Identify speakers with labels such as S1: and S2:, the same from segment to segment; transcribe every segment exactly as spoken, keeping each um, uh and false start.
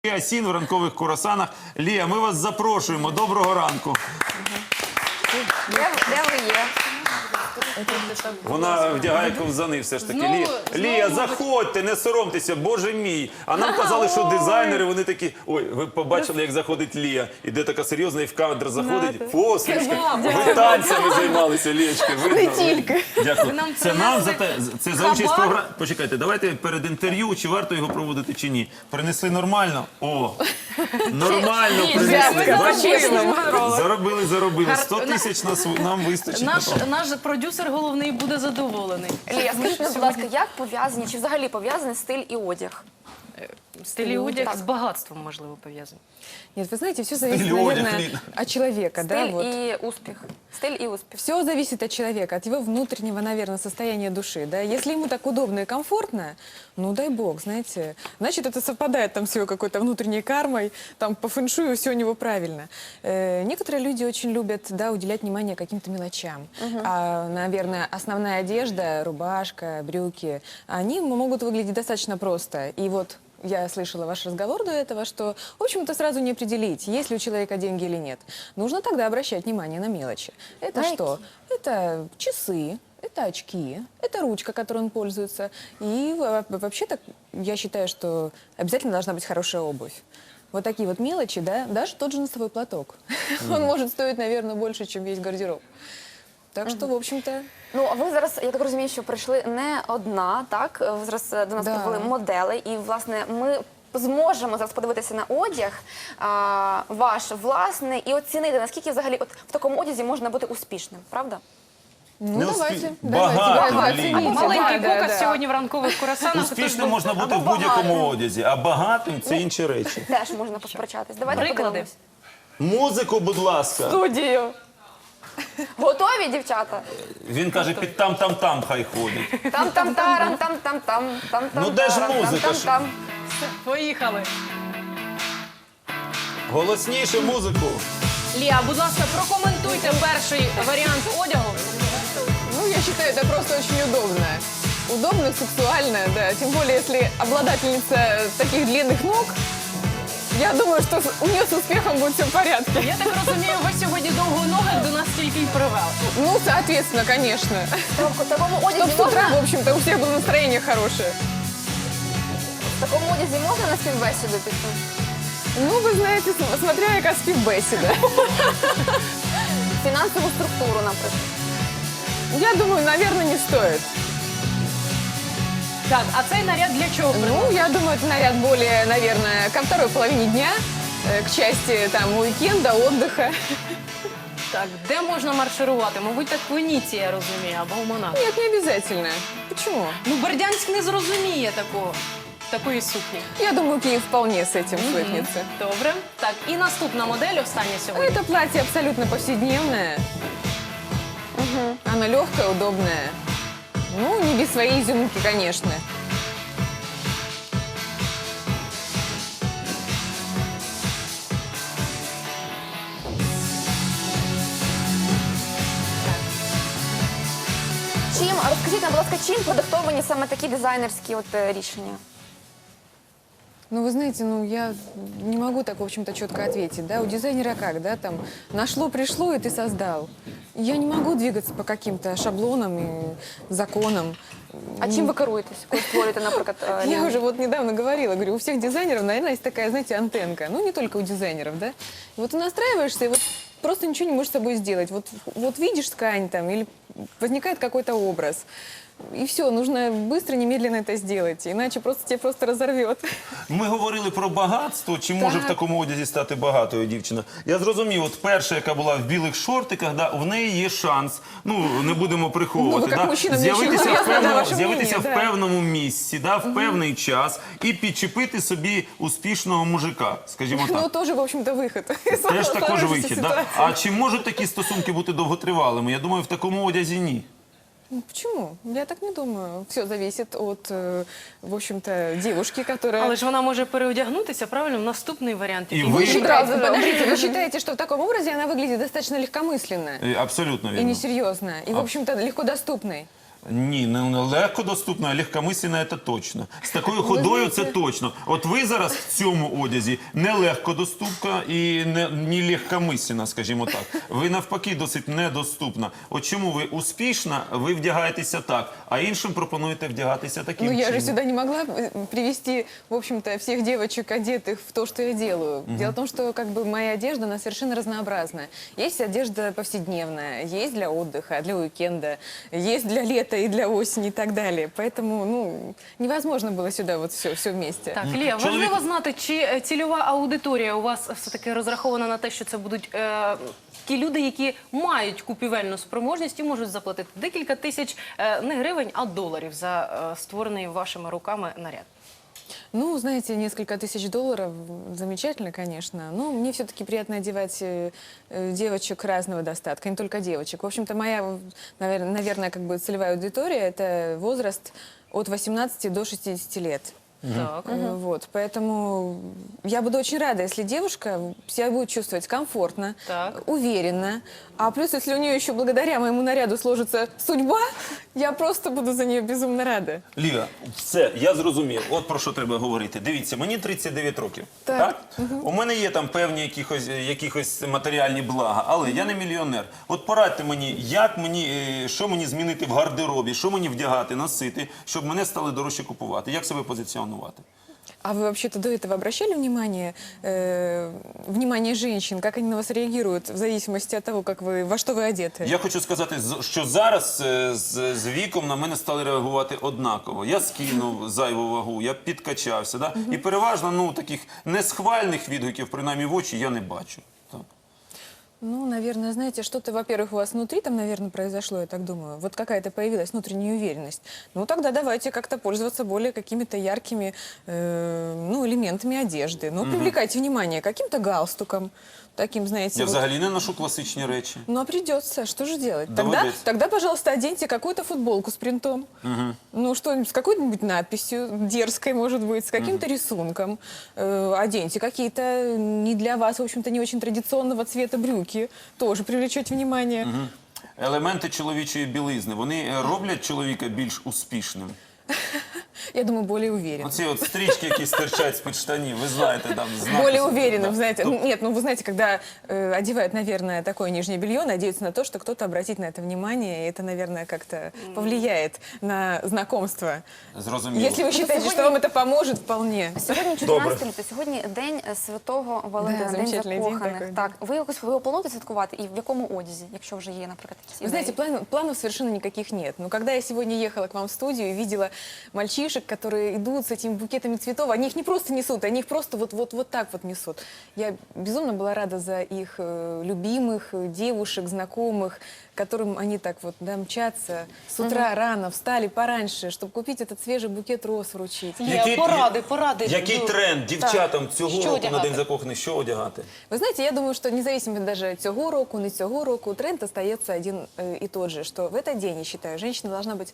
S1: Асін в ранкових курасанах. Лія, ми вас запрошуємо. Доброго ранку.
S2: Де, де ви є?
S1: Вона вдягає ковзани все ж таки.
S3: Знову-
S1: Лія,
S3: знову,
S1: Лія,
S3: мабуть.
S1: заходьте, не соромтеся, боже мій. А нам казали, що дизайнери, вони такі... Ой, ви побачили, як заходить Лія. Іде така серйозна і в кадр заходить. Фосочка, ви танцями займалися, Лієчки. Не тільки. Дякую.
S3: нам
S1: Це нам за те, це за участь в
S3: хабар.
S1: програмі. Почекайте, давайте перед інтерв'ю, чи варто його проводити, чи ні. Принесли нормально? О, нормально принесли. Бачите? Заробили, заробили. сто тисяч нас- нам вистачить.
S3: Наш,
S1: напевно.
S3: наш продюсер головний буде задоволений.
S2: Лія, скажіть, будь ласка, як пов'язані, чи взагалі пов'язаний стиль і одяг?
S3: Стиль і одяг
S2: Так.
S3: з багатством, можливо, пов'язаний.
S4: Нет, вы знаете, все зависит,
S1: Стиль, одяг,
S4: наверное,
S1: Лина.
S4: от человека, да,
S2: Стиль
S4: вот.
S2: і успіх. Стиль і успіх.
S4: Все зависит от человека, от его внутреннего, наверное, состояния души, да. Если ему так удобно и комфортно, ну дай бог, знаете, значит, это совпадает там с его какой-то внутренней кармой, там по фэншую все у него правильно. Э, некоторые люди очень любят, да, уделять внимание каким-то мелочам. А, наверное, основная одежда, рубашка, брюки, они могут выглядеть достаточно просто. И вот я слышала ваш разговор до этого, что, в общем-то, сразу не определить, есть ли у человека деньги или нет. Нужно тогда обращать внимание на мелочи. Это
S2: На
S4: что? Это часы, это очки, это ручка, которой он пользуется. И во- вообще-то я считаю, что обязательно должна быть хорошая обувь. Вот такие вот мелочи, да, даже тот же носовой платок. Он может стоить, наверное, больше, чем весь гардероб. Так что, в общем-то,
S2: Ну, а ви зараз, я так розумію, що прийшли не одна, так? Ви зараз е, до нас
S4: Да.
S2: прибули модели, і, власне, ми зможемо зараз подивитися на одяг а, ваш власний і оцінити, наскільки взагалі от в такому одязі можна бути успішним, правда?
S4: ну
S1: Не
S4: давайте,
S1: успе-
S4: давайте,
S1: Багато,
S4: давайте,
S1: Лина.
S4: оцените.
S3: Маленький
S4: Да, да,
S3: показ
S4: да.
S3: сьогодні в ранкових курасанах.
S1: Успішним можна бути в будь-якому одязі, а багатим – це інші речі.
S2: Теж можна посперечатись. Давайте
S3: Приклади.
S2: подивимось.
S1: Музику, будь ласка.
S2: Студію. Готові, дівчата?
S1: Він каже, під там-там-там хай ходить.
S2: Там там тарам, там там там там там.
S1: Ну, де ж
S2: тарам,
S1: музика
S2: там,
S1: ж?
S2: там, там.
S3: Поїхали.
S1: Голосніше музику.
S3: Лія, будь ласка, прокоментуйте перший варіант одягу.
S4: Ну, я считаю, это просто очень удобно. Удобно, сексуально, да. Тем более, если обладательница таких длинных ног, я думаю, что с- у нее с успехом будет все в порядке.
S3: Я так розумію, ви сьогодні довгоногих до нас тільки й привели.
S4: Ну, соответственно, конечно.
S2: В такому
S4: Чтоб
S2: одязі
S4: с утра,
S2: можна,
S4: в общем-то, у всех было настроение хорошее.
S2: в такому одязі можна на співбесіду піти?
S4: Ну, вы знаете, см- смотря яка співбесіда.
S2: Фінансову структуру, наприклад.
S4: Я думаю, наверное, не стоит.
S3: Так, а цей наряд для чого?
S4: Ну, я думаю, это наряд более, наверное, ко второй половине дня, э, к части там уикенда, отдыха.
S3: Так, де можна марширувати? Мабуть, так в Венеції, я розумію, або в Монако.
S4: Нет, не обязательно. Почему?
S3: Ну, Бердянськ не зрозуміє такого, такої сукні.
S4: Я думаю, Киев вполне с этим свыкнется.
S3: Добре. Так, і наступна модель, остання сьогодні.
S4: Это платье абсолютно повседневное. Оно легкое, удобное. Ну, не без своей изюминки, конечно.
S2: Чим, розкажіть нам, будь ласка, чим продиктовані саме такі дизайнерські от е, рішення?
S4: Ну, вы знаете, ну, я не могу так, в общем-то, четко ответить, да, у дизайнера как, да, там, нашло, пришло, и ты создал. Я не могу двигаться по каким-то шаблонам и законам.
S2: А чим ви керуєтесь, коли створюєте, наприклад, е,
S4: Я
S2: лінію?
S4: уже вот недавно говорила, говорю, у всех дизайнеров, наверное, есть такая, знаете, антенка. Ну, не только у дизайнеров, да. И вот ты настраиваешься, и вот просто ничего не можешь с собой сделать. Вот, вот видишь ткань там, или возникает какой-то образ. И все, нужно быстро, немедленно это сделать, иначе просто тебя просто разорвет.
S1: Ми говорили про багатство, чи може в такому одязі стати багатою дівчина. Я зрозумів, от перша, яка була в білих шортиках, да, в неї є шанс, ну, не будемо приховувати,
S4: Ну, ви як
S1: да,
S4: мужчина, мені
S1: з'явитися,
S4: дуже
S1: в,
S4: цікаво,
S1: певному,
S4: ваше
S1: з'явитися
S4: мнення,
S1: в
S4: да.
S1: певному місці, да, в певний час і підчепити собі успішного мужика, скажімо так.
S4: Ну, тоже, в общем-то, выход.
S1: Теж також
S4: Сложившейся
S1: вихід. Да?
S4: ситуации.
S1: А чи можуть такі стосунки бути довготривалими? Я думаю, в такому одязі ні.
S4: Ну, почему? Я так не думаю. Все зависит от, э, в общем-то, девушки, которая...
S3: Але ж вона може переодягнутися, правильно, в наступний варіант.
S1: І
S3: який
S1: ви-
S3: ми
S4: Вы
S3: шукаємо.
S4: считаете, подождите, вы считаете, что в таком образе она выглядит достаточно легкомысленно
S1: Е, Абсолютно
S4: и
S1: вірно.
S4: несерьезно, и, в общем-то, легко доступной?
S1: Ні, не легко доступна, а легкомисленна – це точно. З такою ходою це точно. От ви зараз в цьому одязі не легкодоступна і не, не легкомисленна, скажімо так. Ви навпаки досить недоступна. От чому ви успішна, ви вдягаєтеся так, а іншим пропонуєте вдягатися таким
S4: Ну, я
S1: чином.
S4: же сюда не могла э, привести, в общем-то, всех девочек, одетых в то, что я делаю. Дело в том, что как бы моя одежда, она совершенно разнообразная. Есть одежда повседневная, есть для отдыха, для уикенда, есть для лета и для осени и так далее. Поэтому, ну, невозможно было сюда вот все, все вместе.
S3: Так, Лія,
S1: Чоловік-
S3: важливо знати, чи е, цільова аудиторія у вас все-таки розрахована на те, що це будуть е, ті люди, які мають купівельну спроможність і можуть заплатити декілька тисяч е, не гривень, а доларів за е, створений вашими руками наряд.
S4: Ну, знаете, несколько тысяч долларов, замечательно, конечно. Но мне все-таки приятно одевать э, э, девочек разного достатка, не только девочек. В общем-то, моя, наверное, наверное, как бы целевая аудитория – это возраст от восемнадцати до шестидесяти лет.
S3: Так.
S4: Э, Вот, поэтому я буду очень рада, если девушка себя будет чувствовать комфортно,
S3: Так.
S4: уверенно. А плюс, если у нее еще благодаря моему наряду сложится судьба, я просто буду за нее безумно рада.
S1: Ліга, все, я зрозумів. От про що треба говорити. Дивіться, мені тридцять дев'ять років. Так.
S4: Так.
S1: У мене є там певні якихось, якихось матеріальні блага, але я не мільйонер. От порадьте мені, як мені, е, що мені змінити в гардеробі, що мені вдягати, носити, щоб мене стали дорожче купувати. Як себе позиціонувати?
S4: А вы вообще-то до этого обращали внимание, э, внимание женщин, как они на вас реагируют в зависимости от того, как вы, во что вы одеты?
S1: Я хочу сказати, з- що зараз е, з, з віком на мене стали реагувати однаково. Я скинув зайву вагу, я підкачався. Да? І переважно ну, таких несхвальних відгуків, принаймні в очі, я не бачу. Так.
S4: Ну, наверное, знаете, что-то, во-первых, у вас внутри там, наверное, произошло, я так думаю. Вот какая-то появилась внутренняя уверенность. Ну, тогда давайте как-то пользоваться более какими-то яркими э, ну, элементами одежды. Ну, привлекайте внимание каким-то галстуком, таким, знаете,
S1: Я
S4: вот.
S1: взагалі не ношу класичні речі.
S4: Ну, а придется, что же делать? Тогда,
S1: Доводится.
S4: тогда, пожалуйста, оденьте какую-то футболку с принтом. Ну, что-нибудь, с какой-нибудь надписью, дерзкой, может быть, с каким-то рисунком. Э, оденьте какие-то не для вас, в общем-то, не очень традиционного цвета брюки. Тоже привлечете внимание.
S1: Елементи чоловічої білизни, вони е, роблять чоловіка більш успішним.
S4: Я думаю, более уверенным.
S1: Оці от стрічки, які стирчать з-під штанів, ви знаєте, там знаки.
S4: Более
S1: собі,
S4: уверенным,
S1: да.
S4: знаете.
S1: Тоб-
S4: Ну, Нет, ну вы знаете, когда э, одевают, наверное, такое нижнее белье, надеются на то, что кто-то обратит на это внимание, и это, наверное, как-то повлияет на знакомство.
S1: Зрозуміло.
S4: Если вы считаете,
S2: сьогодні-
S4: что вам это поможет, вполне.
S2: Сьогодні чотирнадцяте лютого, сьогодні день е, Святого Валентина,
S4: Да,
S2: день
S4: замечательний день
S2: закоханих.
S4: такий,
S2: Так, ви якось ви його плануєте святкувати і в якому одязі, якщо вже є, наприклад, якісь
S4: Вы знаете,
S2: ідеї?
S4: план- планов совершенно никаких нет. Но когда я сегодня ехала к вам в студию и видела мальчишек, которые идут с этими букетами цветов, они их не просто несут, они их просто вот, вот, вот так вот несут. Я безумно была рада за их э, любимых, э, девушек, знакомых, которым они так вот да, мчатся с утра рано, встали пораньше, чтобы купить этот свежий букет роз вручить.
S3: Є поради, поради.
S1: Який
S3: Ну,
S1: тренд дівчатам цього
S3: Що
S1: року на
S3: одягати?
S1: День закоханих? Що одягати?
S4: Ви знаєте, я думаю, що независимо даже цього року, не цього року, тренд остается один э, и тот же, что в этот день, я считаю, женщина должна быть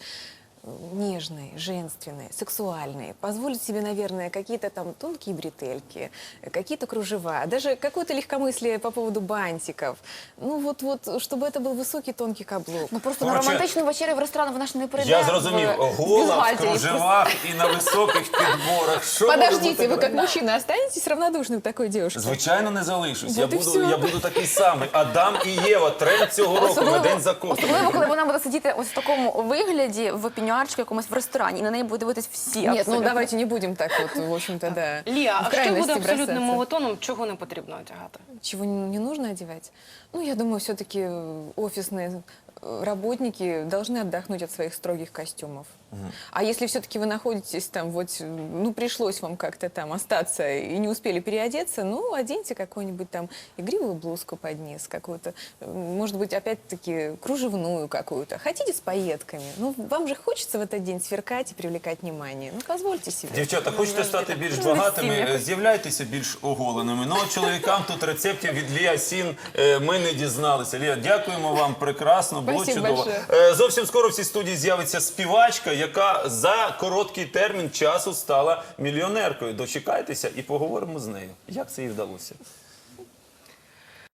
S4: э, нежной, женственной, сексуальной, позволить себе, наверное, какие-то там тонкие бретельки, э, какие-то кружева, даже какое-то легкомыслие по поводу бантиков. Ну вот-вот, чтобы это был высокий тонкий каблук.
S2: Ну просто на
S1: Коротше,
S2: романтичну вечерю в ресторан вона ж не прийде.
S1: Я зрозумів,
S2: в
S1: гола в
S2: бюстгальтері.
S1: кружевах і на високих підборах. Що може
S4: Подождите,
S1: бути
S4: вы как
S1: краще?
S4: мужчина останетесь равнодушным к такой девушке?
S1: Звичайно, не залишусь. Я
S4: Вот і
S1: буду,
S4: всьо.
S1: я буду такий самий. Адам і Єва, тренд цього року на День закоханих.
S2: особливо, коли вона буде сидіти ось в такому вигляді в пеньюарчику якомусь в ресторані, і на неї буде дивитись всі.
S4: Нет, ну
S2: абсолютно.
S4: давайте не будем так вот, в общем-то, да.
S3: Лія,
S4: в
S3: а що
S4: крайности
S3: буде абсолютним
S4: бросаться.
S3: мовотоном, чого не потрібно одягати?
S4: Чего не не нужно одевать? Ну, я думаю, все-таки офисные э, работники должны отдохнуть от своих строгих костюмов. А если все-таки вы находитесь там, вот, э, ну, пришлось вам как-то там остаться и не успели переодеться, ну, оденьте какую-нибудь там игривую блузку под низ, какую-то, э, может быть, опять-таки, кружевную какую-то. Хотите с пайетками? Ну, вам же хочется в этот день сверкать и привлекать внимание. Ну, позвольте себе.
S1: Дівчата, хочете стати більш
S2: Ну,
S1: багатими,
S2: весілля.
S1: е, з'являйтеся більш оголеними. Ну, а чоловікам тут рецептів від Лія Сін е, ми не дізналися. Лія, дякуємо вам, прекрасно, було
S4: Спасибо
S1: чудово.
S4: большое.
S1: Е, Зовсім скоро в цій студії з'явиться співачка, яка за короткий термін часу стала мільйонеркою. Дочекайтеся і поговоримо з нею. Як це їй вдалося?